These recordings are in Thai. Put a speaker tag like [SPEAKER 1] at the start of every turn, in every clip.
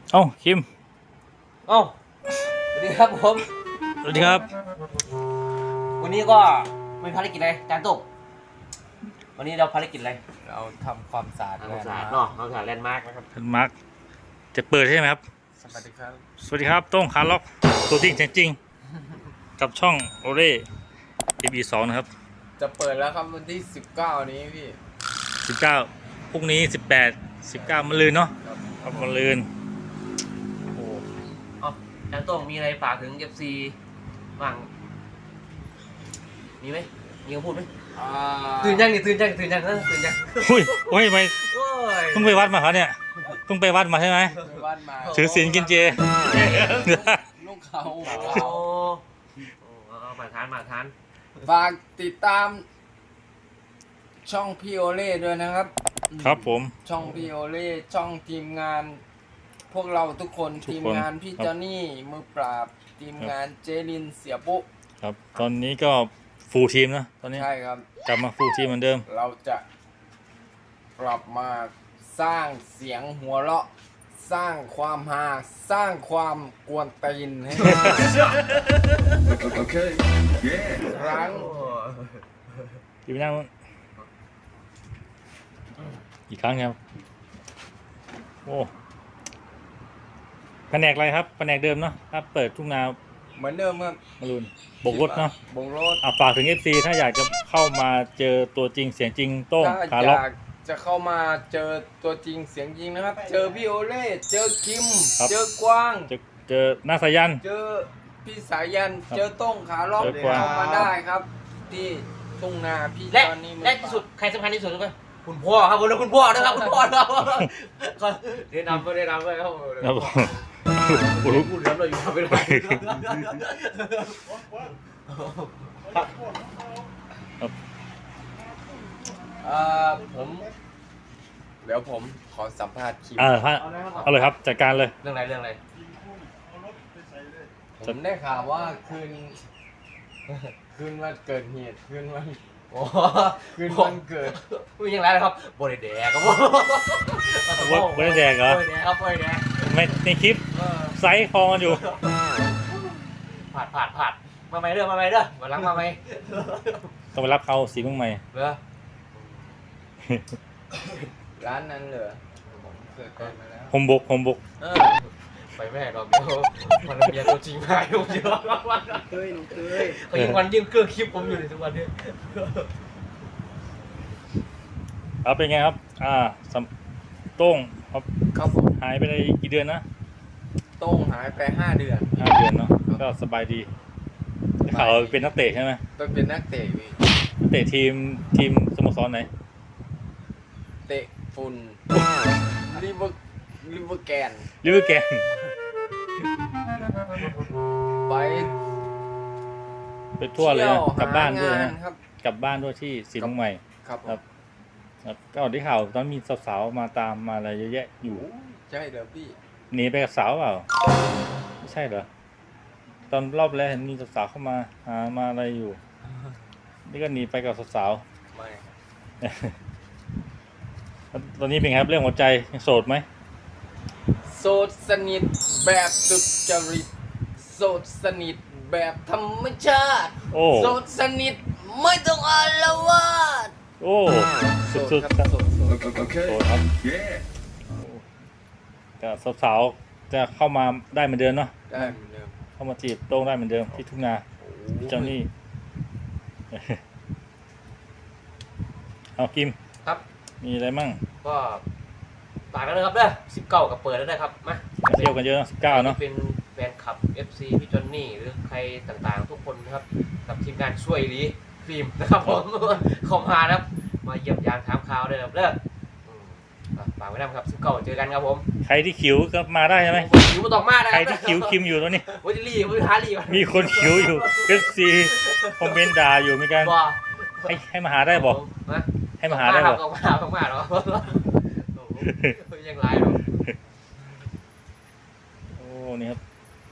[SPEAKER 1] เอ้าคิม
[SPEAKER 2] เอ้าสวัสดีครับผม
[SPEAKER 1] สวัสดีครับ
[SPEAKER 2] วันนี้ก็มีภารกิจอะไรจานตุกวันนี้เราภารกิจอะไร
[SPEAKER 3] เราทำความสะอาด
[SPEAKER 2] ความสะอาดเนาะความสะอาดแลนด์มาร์กนะครับ
[SPEAKER 1] ท่านมาร์คจะเปิดใช่ไหมครับ
[SPEAKER 3] สวัสดีครับ
[SPEAKER 1] สวัสดีครับโต้งคาร์ล็อกตัวจริงเสียงจริง กับช่องโอเล่ EP2 นะครับ
[SPEAKER 3] จะเปิดแล้วครับวันที่ 19 นี้พี่
[SPEAKER 1] 19พรุ่งนี้18 19มะรืนเนาะครับมะรืนโอ้โห
[SPEAKER 2] เอ้าจานตุกมีอะไรฝากถึง FC บ้างมีไหมมีคำพูดไหมตื่นยังนี่ตื่นยังตื่นยังตื่นยัง
[SPEAKER 1] อุ้ยโอ้ยไป
[SPEAKER 2] โอ้ย
[SPEAKER 1] เพิ่งไปวัดมาครับเนี่ยเพิ่งไปวัดมาใช่ไหม
[SPEAKER 3] ไปบ้านมา
[SPEAKER 1] ถือศีลกินเจ
[SPEAKER 3] ลูกเขา
[SPEAKER 2] โอ้เอามาทานมาทาน
[SPEAKER 3] ฝากติดตามช่องพี่โอเล่ด้วยนะครับ
[SPEAKER 1] ครับผม
[SPEAKER 3] ช่องพี่โอเล่ช่องทีมงาน พวกเราทุกคน
[SPEAKER 1] ทุกคน
[SPEAKER 3] ทีมงานพี่
[SPEAKER 1] ครับ
[SPEAKER 3] จอนนี่มือปราบทีมงานเจลินเสียปุ๊
[SPEAKER 1] ครับตอนนี้ก็ฟูลทีมนะตอนนี้
[SPEAKER 3] ใช่ครับ
[SPEAKER 1] กลับมาฟูลทีมเหมือนเดิม
[SPEAKER 3] เราจะกลับมาสร้างเสียงหัวเราะ สร้างความฮาสร้างความกวนตีนให้
[SPEAKER 4] Okay. Yeah.
[SPEAKER 3] ครั้ง
[SPEAKER 1] อยู่ไปนั่งนู้นอีกครั้งครับโอ้แผนกอะไรครับแผนกเดิมเนาะถ้าเปิดทุ่งนา
[SPEAKER 3] เหมือนเดิมครับ
[SPEAKER 1] มารุนบกรถเนาะ
[SPEAKER 3] บงรถ
[SPEAKER 1] ฝากถึง FC ถ้าอยากจะเข้ามาเจอตัวจริงเสียงจริงโต้ง
[SPEAKER 3] ถ้า
[SPEAKER 1] คา
[SPEAKER 3] อ
[SPEAKER 1] ร์ล็อก
[SPEAKER 3] ยากจะเข้ามาเจอตัวจริงเสียงจริงนะครับ เจอพี่โอเล่เจอคิม
[SPEAKER 1] ครับ
[SPEAKER 3] เจอกวาง
[SPEAKER 1] เจอหน้าสายัน
[SPEAKER 3] เจอพี่สายัน
[SPEAKER 1] ครับ
[SPEAKER 3] เจอโต้งขาล็อก
[SPEAKER 1] เจอกวาง
[SPEAKER 3] เข้ามาได้ครับ ที่ทุ่งนาพี่
[SPEAKER 2] และ
[SPEAKER 3] ตอนนี้มือ
[SPEAKER 2] และที่สุดใครสำคัญที่สุดรู้ไหมคุณพ่อครับผมแล้วคุณพ่อนะครับคุณพ่อครับเรียนนำไปเรียนนำไปครับ
[SPEAKER 1] ครับผม
[SPEAKER 2] พูดแล้วเราอยู่ทำไม่ได้
[SPEAKER 3] ผมเดี๋ยวผมขอสัมภาษณ์คิม
[SPEAKER 1] เอาเลยครับจัดการเลย
[SPEAKER 2] เรื่องอะไรเรื่องอะไร
[SPEAKER 3] ผมได้ข่าวว่าคืนวันเกิดเหตุคืนวัน
[SPEAKER 2] โอ้
[SPEAKER 3] คืนวันเกิด
[SPEAKER 2] ไม่ยังไรนะครับบริเดกครับผม
[SPEAKER 1] บริเดกเหรอ
[SPEAKER 2] บริเดกครับบริเดก
[SPEAKER 1] ไม่ในคลิปไซส์คอกันอยู่
[SPEAKER 2] ผ่านมาไหมเด้อมาไหมเด้อมาล้างมาไหม
[SPEAKER 1] ต้องไปรับเขาสีเมืองใหม่
[SPEAKER 2] เด้อ
[SPEAKER 3] ร้านนั้นเหรอผมเคยไปมาแล้ว
[SPEAKER 1] ผมบก
[SPEAKER 2] ไปแม่ดอกเดียวมันเมียตัวจริงหายผมเยอะมาก
[SPEAKER 3] เคยหนูเคย
[SPEAKER 2] เขายังวันยื่นเครื่องคลิปผมอยู่ในทุกวันนี้
[SPEAKER 1] เอาเป็นไงครับโต้งครับ
[SPEAKER 3] ครับผม
[SPEAKER 1] หายไปได้กี่เดือนนะ
[SPEAKER 3] โต้งหายไป5 เดือน
[SPEAKER 1] 5 เดือนเนาะก็สบายดีได้ข่าวว่าเป็นนักเตะใช่ไหม
[SPEAKER 3] ต้องเป็นนักเตะพี่
[SPEAKER 1] นักเตะทีมสโมสรไหน
[SPEAKER 3] เตะฝุ่นลิเวอร์แกน
[SPEAKER 1] ลิเวอร์แกน
[SPEAKER 3] ไป
[SPEAKER 1] ไปทั่วเลย
[SPEAKER 3] ที่
[SPEAKER 1] นะกลับบ้านด้วย
[SPEAKER 3] หง
[SPEAKER 1] นะ
[SPEAKER 3] ครับ
[SPEAKER 1] กลับบ้านด้วยที่สีเมืองใหม่
[SPEAKER 3] ครับผม
[SPEAKER 1] ครับก็ได้ข่าวตอนมีสาวๆมาตามมาอะไรเยอะแยะอยู่
[SPEAKER 3] ใช่เดี๋ยวพี่
[SPEAKER 1] หนีไปกับสาวเปล่าไม่ใช่เหรอตอนรอบแรกเห็นมีสาวๆเข้ามาหามาอะไรอยู่นี่ก็หนีไปกับสาว
[SPEAKER 3] ไม่
[SPEAKER 1] ๆตอนนี้เป็นไงครับเรื่องหัวใจยังโสดไหม
[SPEAKER 3] โสดสนิทแบบสุจริตโสดสนิทแบบธรรมชาติ
[SPEAKER 1] โอ้
[SPEAKER 3] โสดสนิทไม่ต้องอาละวาด
[SPEAKER 1] โอ้สุดๆครับ
[SPEAKER 3] โสด
[SPEAKER 4] Okay.
[SPEAKER 1] โสดครับ
[SPEAKER 4] Yeah.
[SPEAKER 1] แต่สาวๆจะเข้ามาได้เหมือนเดิมเนาะ
[SPEAKER 3] ได้เหมือนเดิม
[SPEAKER 1] เข้ามาจีบโต้งได้เหมือนเดิมที่ทุ่งนาเจ้านี่ เอากิม
[SPEAKER 2] ครับ
[SPEAKER 1] มีอะไรมั่ง
[SPEAKER 2] ก็ฝากกันเลยครับเด้อ19กับเปิดแล้วนะครับมา
[SPEAKER 1] มาเที่ยวกันเยอะนะ19เนาะ
[SPEAKER 2] เป็นแฟนคลับ FC พี่จอนนี่หรือใครต่างๆทุกคนนะครับกับทีมงานช่วยหลีฟิล์มนะครับผมเข้ามานะครับมาเยี่ยมยามถามข่าวด้วยครับเด้อฝากไว้นะครับ19เจอกันครับผม
[SPEAKER 1] ใครที่ขิวก็มาได้ใช่ไหม
[SPEAKER 2] อยู่มาตอกมานะ
[SPEAKER 1] ใครที่ขิวคิมอยู่ตอนนี้
[SPEAKER 2] วัจะรีบวัจะหารีบ
[SPEAKER 1] มีคนขิวอยู่ FC คอมเมนต์ด่าอยู่เหมือนกัน
[SPEAKER 2] บ่
[SPEAKER 1] ให้มาหาได้บอก
[SPEAKER 2] นะ
[SPEAKER 1] ให้มาหาได้บอก
[SPEAKER 2] ต้องมาเนาะยังไรเนาะ
[SPEAKER 1] โอ้นี่ครับ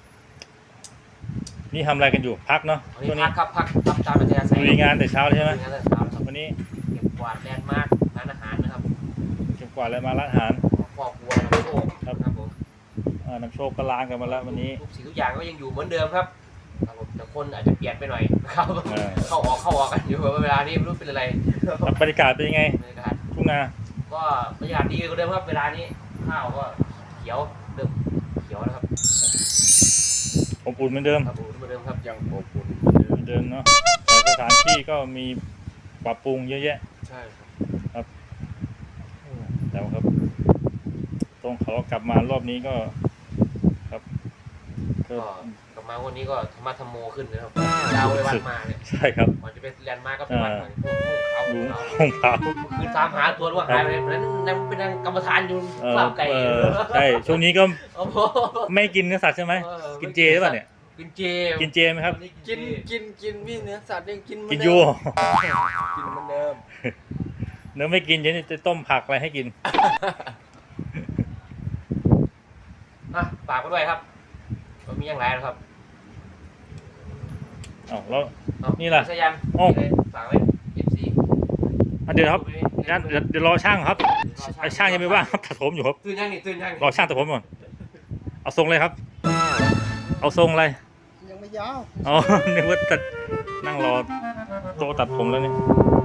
[SPEAKER 1] นี่ทำอะไรกันอยู่พักเนาะ
[SPEAKER 2] วัน
[SPEAKER 1] ช่วง
[SPEAKER 2] นี้
[SPEAKER 1] นี้
[SPEAKER 2] พักตามปัญญาใส่
[SPEAKER 1] ลุยงานแต่เช้าเลยใช่ไหม
[SPEAKER 2] งานแต่เช้าครับ
[SPEAKER 1] วันนี้
[SPEAKER 2] เก็บกวาดแลนด์มาร์คร้านอาหารนะครับ
[SPEAKER 1] เก็บกวาดอะไรมาร้านอาหาร
[SPEAKER 2] ครอบครัวเราโชคครับผม
[SPEAKER 1] น้ำโชคก็ล้างกันมาแล้ววันนี้
[SPEAKER 2] ทุกสิ่งทุกอย่างก็ยังอยู่เหมือนเดิมครับครับผมแต่คนอาจจะเปลี่ยนไปหน่อยนะครับ
[SPEAKER 1] เออ
[SPEAKER 2] เข้าออกกันอยู่เวลานี้ไม่รู้เป็นอะไร
[SPEAKER 1] แล้วบรรยากาศเป็นยังไง
[SPEAKER 2] บรรยากาศ
[SPEAKER 1] ทุ่งนา
[SPEAKER 2] ก็บรรยากาศดีกว่าเดิมครับเวลานี้ข้าวก็เขียวเริ่มเขียวแล้วครับ
[SPEAKER 1] อบอุ่นเหมือนเดิม
[SPEAKER 2] ครับผมเหมือนเดิมครับ
[SPEAKER 3] ยังอบอุ่น
[SPEAKER 1] เหมือนเดิมเนาะแต่สถานที่ก็มีปรับปรุงเยอะแยะ
[SPEAKER 2] ใช่ครับ
[SPEAKER 1] แต่ว่าครับตรงเขากลับมารอบนี้ก็ครับก็
[SPEAKER 2] ก็กลับมาวันนี้ก็ธรรมะธรรมโมขึ้นนะครับดาวไปวันมาเนี่ย
[SPEAKER 1] ใช่ครับ
[SPEAKER 2] ก่อนจะเป็นแลนด์มาร์กก็เป็นวันมาพวกเขา
[SPEAKER 1] ดู
[SPEAKER 2] เขา
[SPEAKER 1] ห้องเท้า
[SPEAKER 2] คือตามหาตัวว่าหายไปไหนนั้นนั่งเป็นนางกรรมฐานอยู่ข้าวไก่
[SPEAKER 1] ใช่ช่วงนี้ก็
[SPEAKER 2] โอ้โห
[SPEAKER 1] ไม่กินเนื้อสัตว์ใช่ไหม
[SPEAKER 2] เออ
[SPEAKER 1] กินเจหรือเปล่าเนี่ย
[SPEAKER 2] กินเจ
[SPEAKER 1] กินเจไหมครับ
[SPEAKER 2] วันนี้
[SPEAKER 3] กินพี่เนื้อสัตว์ยังกินเหมื
[SPEAKER 1] กิ
[SPEAKER 3] อน
[SPEAKER 1] น
[SPEAKER 3] เดิ
[SPEAKER 1] ยู
[SPEAKER 3] มกินเหมือนเดิม
[SPEAKER 1] เนื้อไม่กินเดี๋ยวจะต้มผักอะไรให้กิน
[SPEAKER 2] อ่ะฝากไว้ด้วยครับมันมีอย่างไรนะครับ
[SPEAKER 1] อ้าวแล้ว
[SPEAKER 2] เอา
[SPEAKER 1] นี่ล่ะ
[SPEAKER 2] สยัน
[SPEAKER 1] โอ้
[SPEAKER 2] นี่เลยฝากไว้ FC
[SPEAKER 1] เดี๋ยวครับงั้นเดี๋ยวรอช่างครับช่างยังไม่ว่างครับตัดผมอยู่ครับ
[SPEAKER 2] ตื่นยังนี่ตื่นยัง
[SPEAKER 1] รอช่างตัดผมก่อนเอาทรงเลยครับ เอาทรงอะไร
[SPEAKER 3] ยังไม่ยาว
[SPEAKER 1] อ๋อ นึกว่าตัดนั่งรอโต๊ะตัดผมแล้วนี่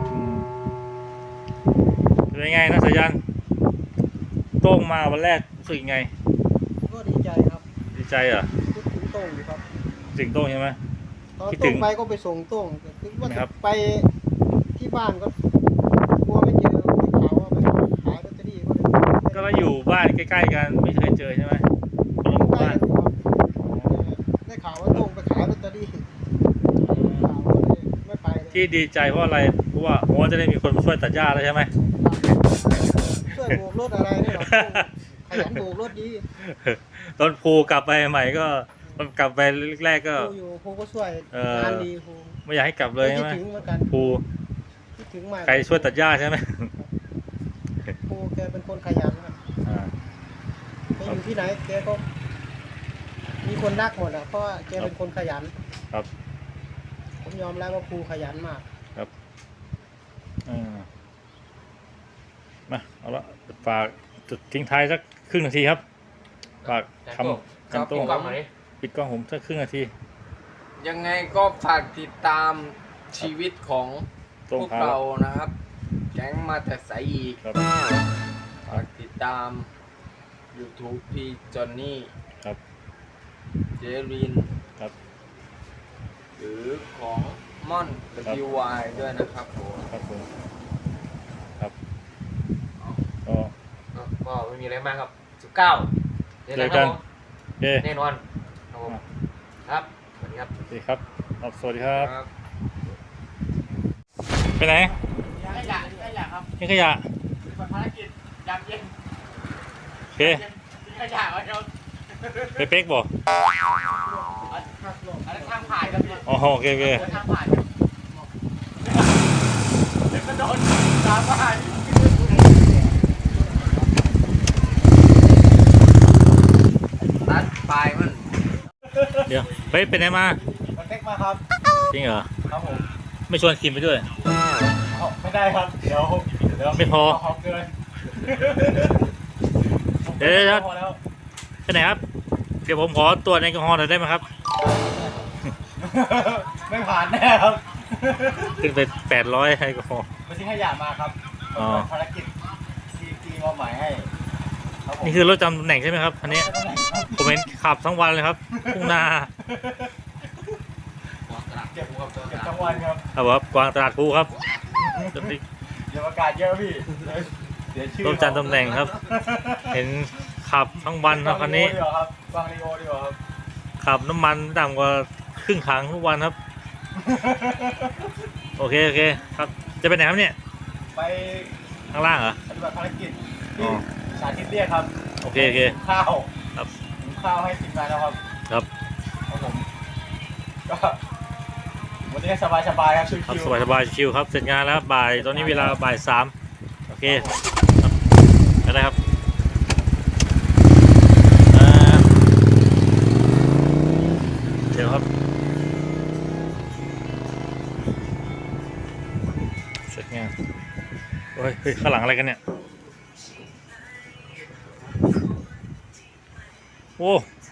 [SPEAKER 1] เป็นไงนะสายันโต้งมาวันแรกรู้สึกยังไง
[SPEAKER 4] ก็ดีใจครับ
[SPEAKER 1] ดีใจเหรอ
[SPEAKER 4] คิดถึงโต้งอยู่ครับ
[SPEAKER 1] ถึงโต้งใช่ไหม
[SPEAKER 4] ตอน
[SPEAKER 1] คิดถึ
[SPEAKER 4] โต้
[SPEAKER 1] ง
[SPEAKER 4] งไปก็ไปส่งโต้งแต่คิดว่า
[SPEAKER 1] ครับ
[SPEAKER 4] ไปที่บ้านก็กลัวไม่เจอได้ข่าวว่าไปขายลอตเตอรี่ก็เลย
[SPEAKER 1] ก็เราอยู่บ้านใกล้ๆกันไม่เคยเจอใช่ไหมคนละหมู่
[SPEAKER 4] ใกล้
[SPEAKER 1] บ้าน
[SPEAKER 4] กันอยู่ครับได้ข่าวว่าโต้งไปขายลอตเตอรี่ข่าวก็เลยไม่ไปเลย
[SPEAKER 1] ที่ดีใจเพราะอะไรเพราะว่าโอ้จะได้มีคนมาช่วยตัดหญ้าแล้วใช่ไหม
[SPEAKER 4] ช่วยโบกรถอะไรเนี่ยหรอกขยันโบกรถดี
[SPEAKER 1] ตอนภูกลับไปใหม่ก็ตอนกลับไปแรกๆก็
[SPEAKER 4] ครูอยู่ครูก็ช่วย
[SPEAKER 1] เออ
[SPEAKER 4] งานดีครู
[SPEAKER 1] ไม่อยากให้กลับเลย
[SPEAKER 4] คิ
[SPEAKER 1] ใช่
[SPEAKER 4] ด
[SPEAKER 1] ไหม
[SPEAKER 4] ถึงเหมือนกัน
[SPEAKER 1] ภู
[SPEAKER 4] คิดถึงมาก
[SPEAKER 1] ใครช่วยตัดหญ้าใช่ไหม
[SPEAKER 4] ครูแกเป็นคนขยันครับ
[SPEAKER 1] อ่า
[SPEAKER 4] ไปอยู่ที่ไหนแกก็มีคนรักหมดอ่ะเพราะว่าแกเป็นคนขยัน
[SPEAKER 1] ครับ
[SPEAKER 4] ผมยอมรับว่าครูขยันมาก
[SPEAKER 1] อ่ามาเอาละฝากจุดทิ้งท้ายสักครึ่งนาทีครับฝากคำ
[SPEAKER 2] ครับ
[SPEAKER 1] โต้
[SPEAKER 2] ปิ
[SPEAKER 1] ง
[SPEAKER 2] ดกล้องหน่อยดิ
[SPEAKER 1] ปิดกล้องผมสักครึ่งนาที
[SPEAKER 3] ยังไงก็ฝากติดตามชีวิตของ
[SPEAKER 1] โต้ง
[SPEAKER 3] พวก
[SPEAKER 1] พา
[SPEAKER 3] เรานะครับ แก๊งมาแต่ใสอีก
[SPEAKER 1] ครับ
[SPEAKER 3] ฝากติดตาม YouTube พี่จอนนี่
[SPEAKER 1] ครับ
[SPEAKER 3] เจริน
[SPEAKER 1] ครับ
[SPEAKER 3] หรือของม่อน WY ด้วยนะครับผม
[SPEAKER 1] ครับผมครับก็
[SPEAKER 2] ก็ไม่มีอะไรมากครับ 19เจอกันครับผม
[SPEAKER 1] โอเค
[SPEAKER 2] แน่นอนครับผมครับสวัสดีครับ
[SPEAKER 1] สวัสดีครับสวัสดีครับ
[SPEAKER 3] ครับ
[SPEAKER 1] ไปไหน
[SPEAKER 4] ขยะครับ
[SPEAKER 1] ทิ้งขยะ
[SPEAKER 4] ภารกิจยามเย็น
[SPEAKER 1] โอเค
[SPEAKER 4] ทิ้งขยะไว้ครับ
[SPEAKER 1] ไปเป๊กบอก
[SPEAKER 4] อันนั้นทางผ่านครับพี่
[SPEAKER 1] อ๋อโอเคโอเค
[SPEAKER 4] ทางผ่านครับเดี๋ยวก็โดนตามผ่าน
[SPEAKER 3] ตัดปลายมัน
[SPEAKER 1] เดี๋ยวไปไหนมา
[SPEAKER 4] มาเต็กมาครับ
[SPEAKER 1] จริงเหรอ
[SPEAKER 4] ครับผม
[SPEAKER 1] ไม่ชวนคิมไปด้วย
[SPEAKER 4] ไม่ได้ครับ เดี๋ยว
[SPEAKER 1] ไม่พอ
[SPEAKER 4] เกิน
[SPEAKER 1] เดี๋ยว
[SPEAKER 4] พอแล้ว
[SPEAKER 1] ไปไหนครับ เดี๋ยวผมขอตรวจแอลกอฮอล์หน่อยได้ไหมครับ
[SPEAKER 4] ไม่ผ่านแน่ครับ
[SPEAKER 1] ขึ้นไป800แอลกอฮอล์
[SPEAKER 4] มาทิ้งขยะมาครับ
[SPEAKER 1] อ๋อ
[SPEAKER 4] ภารกิจที่มอบหมายให้ครับผม
[SPEAKER 1] นี่คือรถจำตำแหน่งใช่ไหมครับอันนี้ ผมเห็นขับทั้งวันเลยครับทุ่งนา
[SPEAKER 4] เก็บทั้งวันครับ
[SPEAKER 1] ครับผมกวางตลาดภูครับ
[SPEAKER 4] เดี๋ยวอากาศเยอะพี่เดี๋ยวชื่อ
[SPEAKER 1] รถจำตำแหน่งครับ เห็นขับทั้งวันครับคันนี้
[SPEAKER 4] วางลีโอดีกว่าครับ
[SPEAKER 1] ขับน้ำมันต่ำกว่าครึ่งถังทุกวันครับ โอเคครับ จะไปไหนครับเนี่ย
[SPEAKER 4] ไป
[SPEAKER 1] ข้างล่างเหรอ
[SPEAKER 4] ปฏิบัติภารกิจ
[SPEAKER 1] อ๋
[SPEAKER 4] ที่
[SPEAKER 1] อ
[SPEAKER 4] สาธิตเรียกครับ
[SPEAKER 1] โอเค
[SPEAKER 4] ข้าว
[SPEAKER 1] ครับ
[SPEAKER 4] หุงข้าวให้ทีมงานแล้วครับ
[SPEAKER 1] ครับ
[SPEAKER 4] ครับผมก็วันนี้สบายครับชิว
[SPEAKER 1] ครับ
[SPEAKER 4] ๆ
[SPEAKER 1] สบายๆชิวๆครับ เสร็จงานแล้วครับบ่าย ตอนนี้เวลาบ่าย3โอเคครับอะไรครับอ่าเดี๋ยวครับ เสร็จงานโอ้ยเฮ้ยข้างหลังอะไรกันเนี่ย โอ้โอ้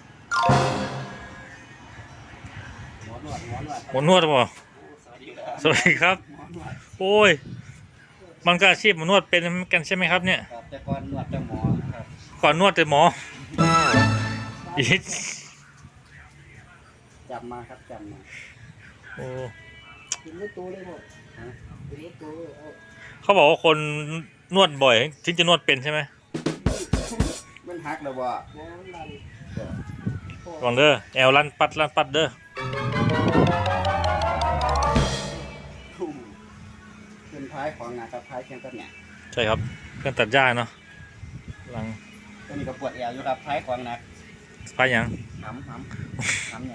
[SPEAKER 3] หมอนวดหมอนวด
[SPEAKER 1] หมอนวดป่ะ
[SPEAKER 3] สวัสดีครับ
[SPEAKER 1] สวัสดีครับ
[SPEAKER 3] หมอนวด
[SPEAKER 1] โอ้ยมันก็อาชีพหมอนวดเป็นกันใช่ไหมครับเนี่ย
[SPEAKER 3] ครับแต่ก่อนนวดแต่หมอครับ
[SPEAKER 1] ก่อนนวดแต่หมออีก
[SPEAKER 3] จำมาครับจำมา
[SPEAKER 1] โอ้
[SPEAKER 4] กินไม่ตัวเลยหมดกินไม่ตัวเลยเอา
[SPEAKER 1] เขาบอกว่าคนนวดบ่อยถึงจะนวดเป็นใช่ไหม
[SPEAKER 3] มันหักแล้วบ่
[SPEAKER 4] หมอลัน
[SPEAKER 1] ก่อนเด้อแอลลั่นปัดเด้อ
[SPEAKER 3] เป็นท้ายของนะครับท้ายเคียงต้นเนี่ย
[SPEAKER 1] ใช่ครับเครื่องตัดหญ้าเนาะหลัง
[SPEAKER 3] ตัวนี้ก็ปวดแอวอยู่ครับท้ายของหนัก
[SPEAKER 1] พายัง
[SPEAKER 3] ทำไง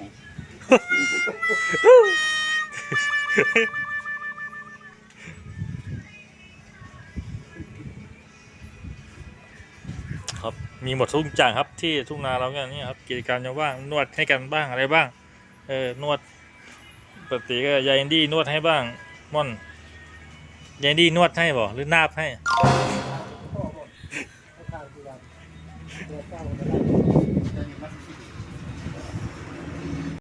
[SPEAKER 1] ครับมีหมดทุกอย่างครับที่ทุ่งนาเราเนี่ยครับกิจการยังว่างนวดให้กันบ้างอะไรบ้างนวดปกติก็ยายแอนดี้นวดให้บ้างม่อนยายแอนดี้นวดให้บ่หรือนาบให้
[SPEAKER 4] พ่อบอกให้ทานที่วันเดือดเก้าก็ได้
[SPEAKER 3] ตัวนี้มันที่